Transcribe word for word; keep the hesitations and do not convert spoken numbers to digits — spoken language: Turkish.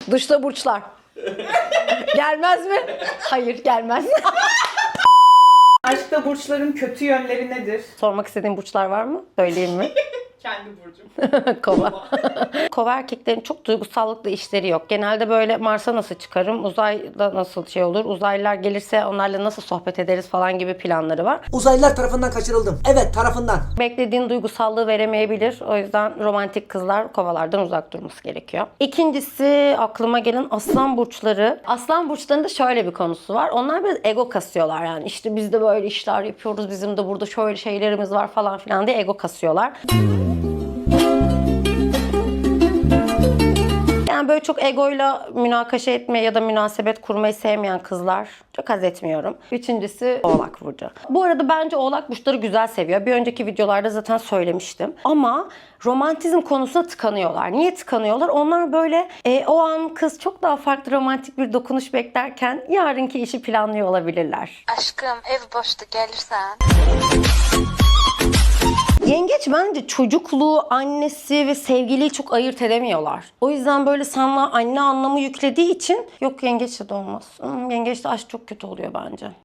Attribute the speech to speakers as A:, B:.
A: Dışta burçlar. Gelmez mi? Hayır, gelmez.
B: Aşkta burçların kötü yönleri nedir?
A: Sormak istediğin burçlar var mı? Söyleyeyim mi?
B: Kendi burcum.
A: Kova. Kova erkeklerin çok duygusallıkla işleri yok. Genelde böyle Mars'a nasıl çıkarım, uzayda nasıl şey olur, uzaylılar gelirse onlarla nasıl sohbet ederiz falan gibi planları var.
C: Uzaylılar tarafından kaçırıldım. Evet, tarafından.
A: Beklediğin duygusallığı veremeyebilir. O yüzden romantik kızlar kovalardan uzak durması gerekiyor. İkincisi aklıma gelen aslan burçları. Aslan burçlarında şöyle bir konusu var. Onlar biraz ego kasıyorlar yani. İşte biz de böyle işler yapıyoruz. Bizim de burada şöyle şeylerimiz var falan filan diye ego kasıyorlar. Yani böyle çok egoyla münakaşa etmeye ya da münasebet kurmayı sevmeyen kızlar çok haz etmiyorum. Üçüncüsü Oğlak burcu. Bu arada bence Oğlak burçları güzel seviyor. Bir önceki videolarda zaten söylemiştim. Ama romantizm konusuna tıkanıyorlar. Niye tıkanıyorlar? Onlar böyle e, o an kız çok daha farklı romantik bir dokunuş beklerken yarınki işi planlıyor olabilirler.
D: Aşkım ev boştu gelirsen.
A: Yengeç bence çocukluğu, annesi ve sevgiliyi çok ayırt edemiyorlar. O yüzden böyle sana anne anlamı yüklediği için yok yengeçle de olmaz. Hmm, yengeçle aşk çok kötü oluyor bence.